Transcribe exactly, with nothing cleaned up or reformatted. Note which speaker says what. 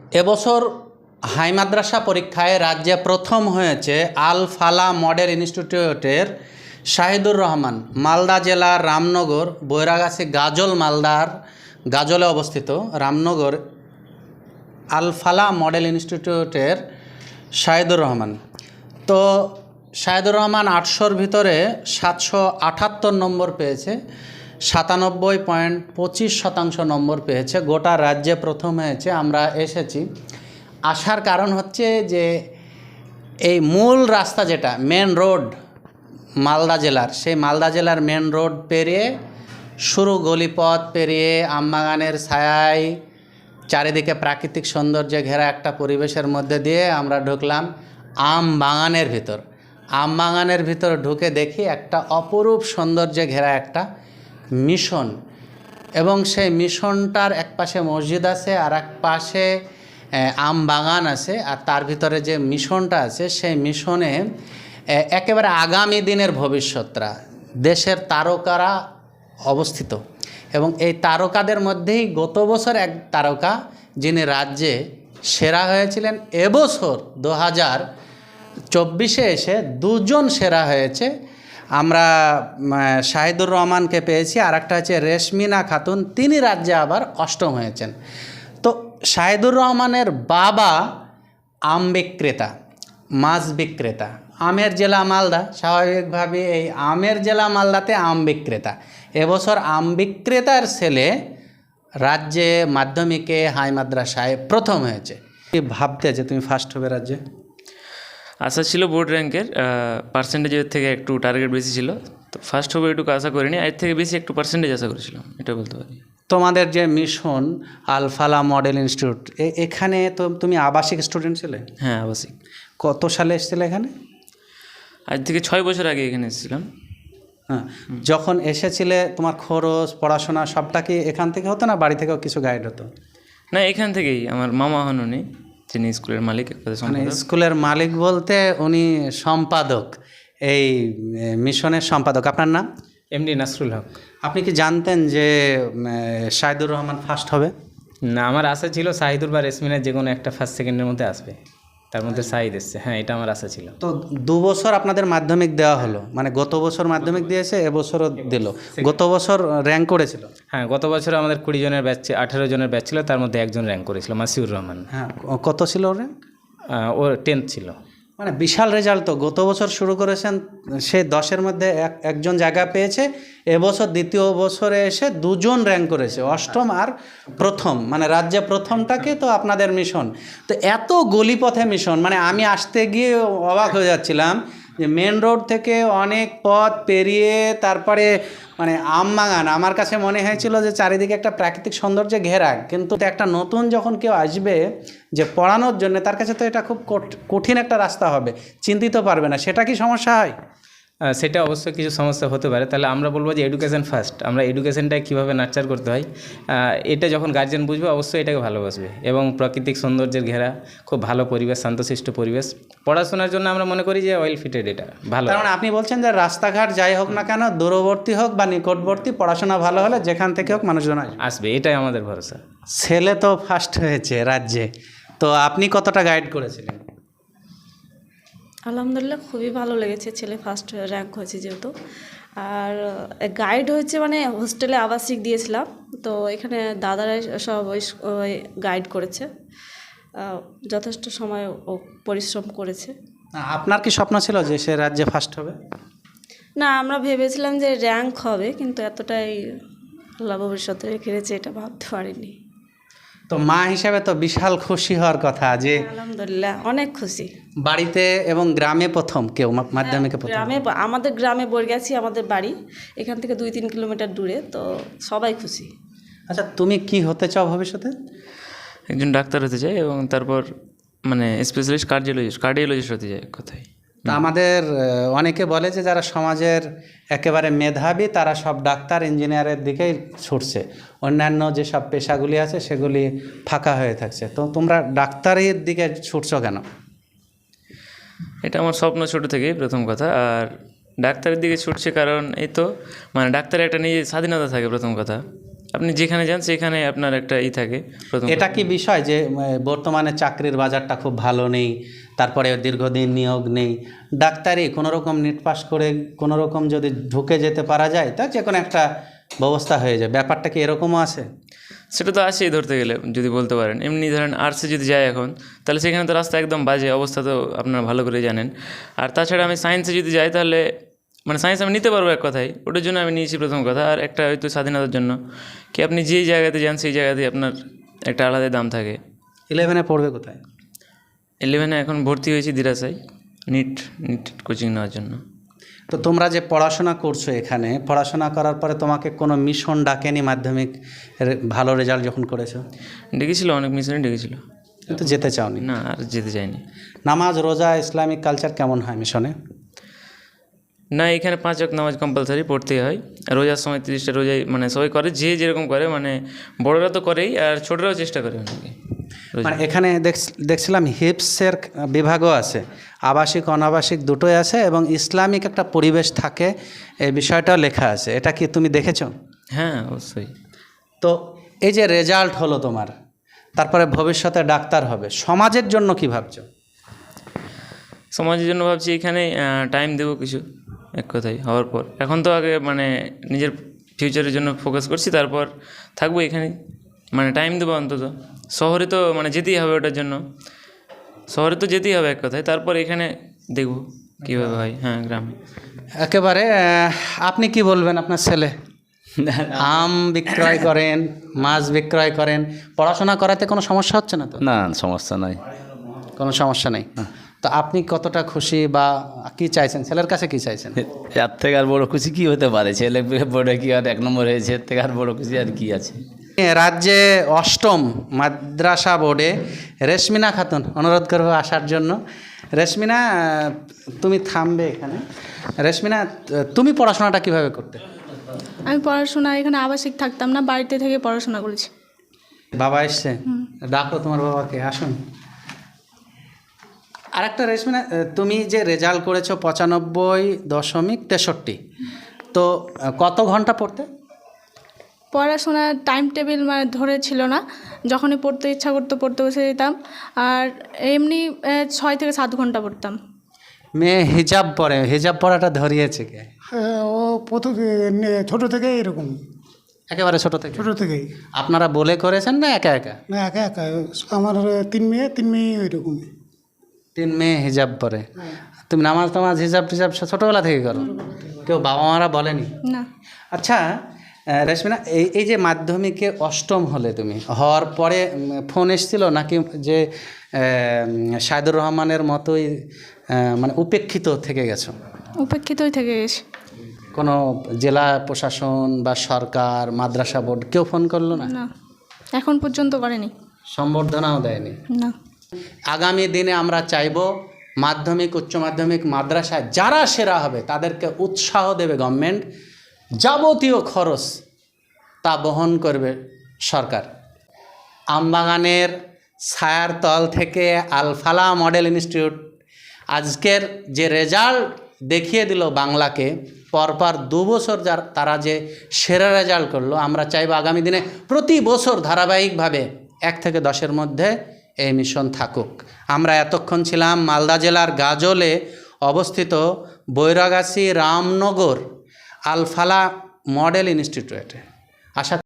Speaker 1: এবছর হাই মাদ্রাসা পরীক্ষায় রাজ্যে প্রথম হয়েছে আল ফালা মডেল ইনস্টিটিউটের শাহিদুর রহমান। মালদা জেলার রামনগর বৈরাগাছি গাজল, মালদার গাজলে অবস্থিত রামনগর আল ফালা মডেল ইনস্টিটিউটের শাহিদুর রহমান। তো শাহিদুর রহমান আটশোর ভিতরে সাতশো আটাত্তর নম্বর পেয়েছে, সাতানব্বই পয়েন্ট পঁচিশ শতাংশ নম্বর পেয়েছে। গোটা রাজ্যে প্রথম হয়েছে। আমরা এসেছি, আসার কারণ হচ্ছে যে এই মূল রাস্তা যেটা মেন রোড মালদা জেলার, সেই মালদা জেলার মেন রোড পেরিয়ে শুরু গলিপথ পেরিয়ে আমবাগানের ছায়ায় চারিদিকে প্রাকৃতিক সৌন্দর্যে ঘেরা একটা পরিবেশের মধ্যে দিয়ে আমরা ঢুকলাম আম বাগানের ভিতর। আম বাগানের ভিতর ঢুকে দেখি একটা অপরূপ সৌন্দর্যে ঘেরা একটা মিশন, এবং সেই মিশনটার এক পাশে মসজিদ আছে আর এক পাশে আম বাগান আছে। আর তার ভিতরে যে মিশনটা আছে সেই মিশনে একেবারে আগামী দিনের ভবিষ্যৎরা, দেশের তারকারা অবস্থিত। এবং এই তারকাদের মধ্যেই গত বছর এক তারকা যিনি রাজ্যে সেরা হয়েছিলেন, এবছর দু হাজার চব্বিশে এসে দুজন সেরা হয়েছে। আমরা শাহিদুর রহমানকে পেয়েছি, আর একটা হচ্ছে রেশমিনা খাতুন, তিনি রাজ্যে আবার অষ্টম হয়েছেন। তো শাহিদুর রহমানের বাবা আম বিক্রেতা, মাছ বিক্রেতা। আমের জেলা মালদা, স্বাভাবিকভাবে এই আমের জেলা মালদাতে আম বিক্রেতা। এবছর আম বিক্রেতার ছেলে রাজ্যে মাধ্যমিকে হাই মাদ্রাসায় প্রথম হয়েছে। কি ভাবতে যে তুমি ফার্স্ট হবে রাজ্যে?
Speaker 2: আশা ছিল বোর্ড র্যাঙ্কের, পার্সেন্টেজের থেকে একটু টার্গেট বেশি ছিল, তো ফার্স্ট হবে এটুকু আশা করিনি। এর থেকে বেশি একটু পার্সেন্টেজ আশা করেছিলাম, এটা বলতে পারি।
Speaker 1: তোমাদের যে মিশন আল ফালা মডেল ইনস্টিটিউট, এখানে তো তুমি আবাসিক স্টুডেন্ট ছিলে?
Speaker 2: হ্যাঁ, আবাসিক।
Speaker 1: কত সালে এসেছিলে এখানে?
Speaker 2: আজ থেকে ছয় বছর আগে এখানে এসেছিলাম।
Speaker 1: হ্যাঁ, যখন এসেছিলে তোমার খরচ পড়াশোনা সবটা কি এখান থেকে হতো না বাড়ি থেকেও কিছু গাইড হতো?
Speaker 2: না, এখান থেকেই। আমার মামা হন উনি, যিনি স্কুলের মালিক।
Speaker 1: মানে স্কুলের মালিক বলতে উনি সম্পাদক, এই মিশনের সম্পাদক। আপনার নাম?
Speaker 3: এমডি নাসরুল হক।
Speaker 1: আপনি কি জানতেন যে শাহিদুর রহমান ফার্স্ট হবে?
Speaker 3: না, আমার আশা ছিল শাহিদুর বা রেশমিনের যে কোনো একটা ফার্স্ট সেকেন্ডের মধ্যে আসবে, তার মধ্যে শাহিদ এসছে। হ্যাঁ, এটা আমার আশা ছিল।
Speaker 1: তো দু বছর আপনাদের মাধ্যমিক দেওয়া হলো, মানে গত বছর মাধ্যমিক দিয়েছে, এবছরও দিল। গত বছর র্যাঙ্ক করেছিল?
Speaker 3: হ্যাঁ, গত বছর আমাদের কুড়ি জনের ব্যাচ, আঠেরো জনের ব্যাচ ছিল, তার মধ্যে একজন র্যাঙ্ক করেছিল, মাসিউর রহমান।
Speaker 1: হ্যাঁ, কত ছিল ওর র্যাঙ্ক?
Speaker 3: ও টেন্থ ছিল।
Speaker 1: মানে বিশাল রেজাল্ট তো। গত বছর শুরু করেছেন, সে দশের মধ্যে এক একজন জায়গা পেয়েছে। এবছর দ্বিতীয় বছরে এসে দুজন র্যাঙ্ক করেছে, অষ্টম আর প্রথম, মানে রাজ্যে প্রথমটাকে তো আপনাদের মিশন। তো এত গলিপথে মিশন, মানে আমি আসতে গিয়ে অবাক হয়ে যাচ্ছিলাম যে মেন রোড থেকে অনেক পথ পেরিয়ে তারপরে মানে আমবাগান। আমার কাছে মনে হয়েছিল যে চারিদিকে একটা প্রাকৃতিক সৌন্দর্যে ঘেরা, কিন্তু একটা নতুন যখন কেউ আসবে যে পড়ানোর জন্য, তার কাছে তো এটা খুব কঠিন একটা রাস্তা হবে, চিন্তিত পারবে না। সেটা কি সমস্যা হয়?
Speaker 3: সেটা অবশ্যই কিছু সমস্যা হতে পারে। তাহলে আমরা বলবো যে এডুকেশন ফার্স্ট। আমরা এডুকেশনটাকে কীভাবে নার্চার করতে হয়, এটা যখন গার্জেন বুঝবে অবশ্যই এটাকে ভালোবাসবে। এবং প্রাকৃতিক সৌন্দর্যের ঘেরা খুব ভালো পরিবেশ, শান্তশিষ্ট পরিবেশ। পড়াশোনার জন্য আমরা মনে করি যে ওয়েল ফিটেড, এটা ভালো।
Speaker 1: কারণ আপনি বলছেন যে রাস্তাঘাট যাই হোক না কেন, দূরবর্তী হোক বা নিকটবর্তী, পড়াশোনা ভালো হলে যেখান থেকে হোক মানুষজন
Speaker 3: আসবে, এটাই আমাদের ভরসা।
Speaker 1: ছেলে তো ফার্স্ট হয়েছে রাজ্যে, তো আপনি কতটা গাইড করেছিলেন?
Speaker 4: আলহামদুলিল্লাহ, খুবই ভালো লেগেছে। ছেলে ফার্স্ট র্যাঙ্ক হয়েছে যেহেতু। আর গাইড হয়েছে, মানে হোস্টেলে আবাসিক দিয়েছিলাম, তো এখানে দাদারাই সব ওই গাইড করেছে, যথেষ্ট সময় ও পরিশ্রম করেছে।
Speaker 1: আপনার কি স্বপ্ন ছিল যে সে রাজ্যে ফার্স্ট হবে?
Speaker 4: না, আমরা ভেবেছিলাম যে র্যাঙ্ক হবে, কিন্তু এতটাই আল্লাহ ভবিষ্যতে রেখে রেখেছে এটা ভাবতে পারিনি।
Speaker 1: তো মা হিসেবে তো বিশাল খুশি হওয়ার কথা যে
Speaker 4: আলহামদুলিল্লাহ, অনেক খুশি।
Speaker 1: বাড়িতে এবং গ্রামে প্রথম কেউ মাধ্যমিকে প্রথম?
Speaker 4: গ্রামে, আমাদের গ্রামে বৈরাগাছি আমাদের বাড়ি, এখান থেকে দুই তিন কিলোমিটার দূরে, তো সবাই খুশি।
Speaker 1: আচ্ছা, তুমি কি হতে চাও ভবিষ্যতে?
Speaker 2: একজন ডাক্তার হতে চাই, এবং তারপর মানে স্পেশালিস্ট কার্ডিওলজিস্ট কার্ডিওলজিস্ট হতে চাই কথাই।
Speaker 1: তা আমাদের অনেকে বলে যে যারা সমাজের একেবারে মেধাবী তারা সব ডাক্তার ইঞ্জিনিয়ারের দিকেই ছুটছে, অন্যান্য যেসব পেশাগুলি আছে সেগুলি ফাঁকা হয়ে থাকছে। তো তোমরা ডাক্তারের দিকে ছুটছো কেন?
Speaker 2: এটা আমার স্বপ্ন ছোটো থেকেই, প্রথম কথা। আর ডাক্তারের দিকে ছুটছে কারণ এই তো মানে ডাক্তারের একটা নিজের স্বাধীনতা থাকে, প্রথম কথা। আপনি যেখানে যান সেখানে আপনার একটা ই থাকে প্রথম
Speaker 1: এটা কি বিষয় যে উম, বর্তমানে চাকরির বাজারটা খুব ভালো নেই, তারপরে দীর্ঘদিন নিয়োগ নেই, ডাক্তারি কোনো রকম নিট পাস করে কোনো রকম যদি ঢুকে যেতে পারা যায় তা যে কোনো একটা ব্যবস্থা হয়ে যায়, ব্যাপারটা কি এরকমও আছে?
Speaker 2: সেটা তো আছেই ধরতে গেলে যদি বলতে পারেন। এমনি ধরেন আর্টসে যদি যায় এখন, তাহলে সেখানে তো রাস্তা একদম বাজে অবস্থা, তো আপনারা ভালো করে জানেন। আর তাছাড়া আমি সায়েন্সে যদি যাই তাহলে মানে সায়েন্স আমি নিতে পারবো এক কথায়, ওটার জন্য আমি নিয়েছি প্রথম কথা। আর একটা হয়তো স্বাধীনতার জন্য, কি আপনি যেই জায়গাতে যান সেই জায়গাতে আপনার একটা আলাদা দাম থাকে।
Speaker 1: ইলেভেনে পড়বে কোথায়?
Speaker 2: ইলেভেনে এখন ভর্তি হয়েছি দিরাসায় নিট নিট কোচিং নেওয়ার জন্য।
Speaker 1: তো তোমরা যে পড়াশোনা করছো এখানে, পড়াশোনা করার পরে তোমাকে কোনো মিশন ডাকেনি মাধ্যমিক রে- ভালো রেজাল্ট যখন করেছো?
Speaker 2: ডেকেছিল, অনেক মিশনে ডেকেছিল,
Speaker 1: কিন্তু যেতে চাওনি?
Speaker 2: না আর যেতে চাইনি।
Speaker 1: নামাজ রোজা ইসলামিক কালচার কেমন হয় মিশনে?
Speaker 2: না, এখানে পাঁচ ওয়াক্ত নামাজ কম্পালসারি পড়তেই হয়। রোজার সময় তিরিশটা রোজাই মানে সবাই করে, যে যেরকম করে, মানে বড়রা তো করেই আর ছোটরাও চেষ্টা করে অনেকে।
Speaker 1: মানে এখানে দেখ- দেখছিলাম হিপসের বিভাগও আছে, আবাসিক অনাবাসিক দুটোই আছে, এবং ইসলামিক একটা পরিবেশ থাকে, এই বিষয়টাও লেখা আছে। এটা কি তুমি দেখেছো?
Speaker 2: হ্যাঁ অবশ্যই।
Speaker 1: তো এই যে রেজাল্ট হলো তোমার, তারপরে ভবিষ্যতে ডাক্তার হবে, সমাজের জন্য কি ভাবছো?
Speaker 2: সমাজের জন্য ভাবছি এখানে টাইম দেবো কিছু, এক কথায় হওয়ার পর। এখন তো আগে মানে নিজের ফিউচারের জন্য ফোকাস করছি, তারপর থাকবো এখানে, মানে টাইম দেবো অন্তত। শহরে তো মানে যেতেই হবে ওটার জন্য, শহরে তো যেতেই হবে এক কথায়, তারপর এখানে দেখবো কীভাবে হয়। হ্যাঁ গ্রামে।
Speaker 1: একেবারে আহ, আপনি কি বলবেন? আপনার ছেলে আম বিক্রয় করেন, মাছ বিক্রয় করেন, পড়াশোনা করাতে কোনো সমস্যা হচ্ছে না তো?
Speaker 5: না সমস্যা নাই।
Speaker 1: কোনো সমস্যা নেই। তো আপনি কতটা খুশি বা কি চাইছেন, ছেলের কাছে কি চাইছেন?
Speaker 5: এর থেকে আর বড় খুশি কি হতে পারে? ছেলে বোর্ডে কি আর এক নম্বর হয়েছে, এর থেকে আর বড় খুশি আর কি আছে?
Speaker 1: রাজ্যে অষ্টম মাদ্রাসা বোর্ডে রেশমিনা খাতুন, অনুরোধ করবো আসার জন্য। রেশমিনা, তুমি থামবে এখানে। রেশমিনা, তুমি পড়াশোনাটা কিভাবে করতে?
Speaker 6: আমি পড়াশোনা এখানে আবাসিক থাকতাম না, বাড়িতে থেকে পড়াশোনা করেছি।
Speaker 1: বাবা এসছে, ডাকো তোমার বাবাকে, আসুন। আরেকটা রেশমিনা, তুমি যে রেজাল্ট করেছো পঁচানব্বই দশমিক তেষট্টি, তো কত ঘন্টা পড়তে?
Speaker 6: পড়াশোনার টাইম টেবিল মানে ধরে ছিল না, যখনই পড়তে ইচ্ছা করতো পড়তে বসে যেতাম। আর এমনি আহ, ছয় থেকে সাত ঘন্টা পড়তাম।
Speaker 1: মেয়ে হিজাব পরে, হিজাব পরাটা ধরিয়েছে কে?
Speaker 7: হ্যাঁ, ও প্রথম নে- ছোট থেকে এরকম,
Speaker 1: একেবারে ছোট থেকে?
Speaker 7: ছোট থেকেই।
Speaker 1: আপনারা বলে করেছেন না একা একা?
Speaker 7: না একা একা, আমার তিন মেয়ে তিন মেয়ে ওইরকম।
Speaker 1: তিন মেয়ে হিজাব পরে, তুমি নামাজ টামাজ হিজাব টিজাব সব ছোটোবেলা থেকে করো? কেউ বাবা মারা বলেনি?
Speaker 6: না।
Speaker 1: আচ্ছা আহ, রেশমিনা, এই এই যে মাধ্যমিকে অষ্টম হলে তুমি, হওয়ার পরে উম, ফোন এসেছিল নাকি যে সাইদুর রহমানের মতোই আহ, মানে উপেক্ষিত থেকে গেছো?
Speaker 6: উপেক্ষিতই থেকে গেছি।
Speaker 1: কোনো জেলা প্রশাসন বা সরকার, মাদ্রাসা বোর্ড কেউ ফোন করলো না?
Speaker 6: না, এখন পর্যন্ত করেনি।
Speaker 1: সম্বর্ধনাও দেয়নি?
Speaker 6: না।
Speaker 1: আগামী দিনে আমরা চাইব মাধ্যমিক উচ্চ মাধ্যমিক মাদ্রাসায় যারা সেরা হবে তাদেরকে উৎসাহ দেবে গভর্নমেন্ট, যাবতীয় খরচ তা বহন করবে সরকার। আমবাগানের ছায়ার তল থেকে আলফালা মডেল ইনস্টিটিউট আজকের যে রেজাল্ট দেখিয়ে দিল বাংলাকে, পরপর দু বছর যার তারা যে সেরা রেজাল্ট করলো, আমরা চাইব আগামী দিনে প্রতি বছর ধারাবাহিকভাবে এক থেকে দশের মধ্যে এই মিশন থাকুক। আমরা এতক্ষণ ছিলাম মালদা জেলার গাজলে অবস্থিত বৈরাগাছি রামনগর আলফালা মডেল ইনস্টিটিউটে। আশা